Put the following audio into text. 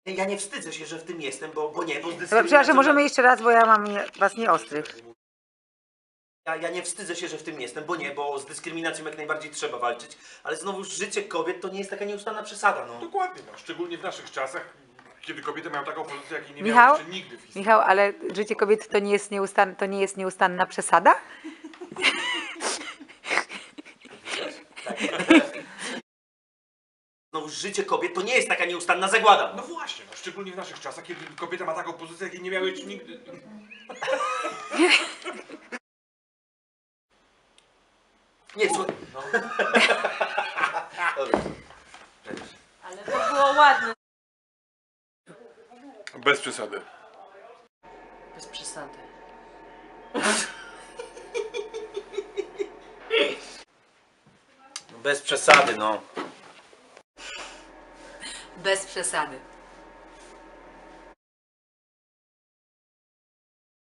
Ja nie wstydzę się, że w tym jestem, bo nie, bo z Dobra, dyskryminacją... przepraszam, możemy jeszcze raz, bo ja mam was nieostrych. Ja nie wstydzę się, że w tym jestem, bo nie, bo z dyskryminacją jak najbardziej trzeba walczyć, ale znowu życie kobiet to nie jest taka nieustanna przesada, no. Dokładnie, no. Szczególnie w naszych czasach, kiedy kobiety mają taką pozycję, jakiej nie Michał? miały jeszcze nigdy w historii. Michał, ale życie kobiet to nie jest nieustanna przesada? Znowu życie kobiet to nie jest taka nieustanna zagłada. No właśnie, no. Szczególnie w naszych czasach, kiedy kobieta ma taką pozycję, jakiej nie miały jeszcze nigdy... Nie, słuchaj. No. Dobra. Ale to było ładne. Bez przesady. Bez przesady. Bez przesady, no. Bez przesady.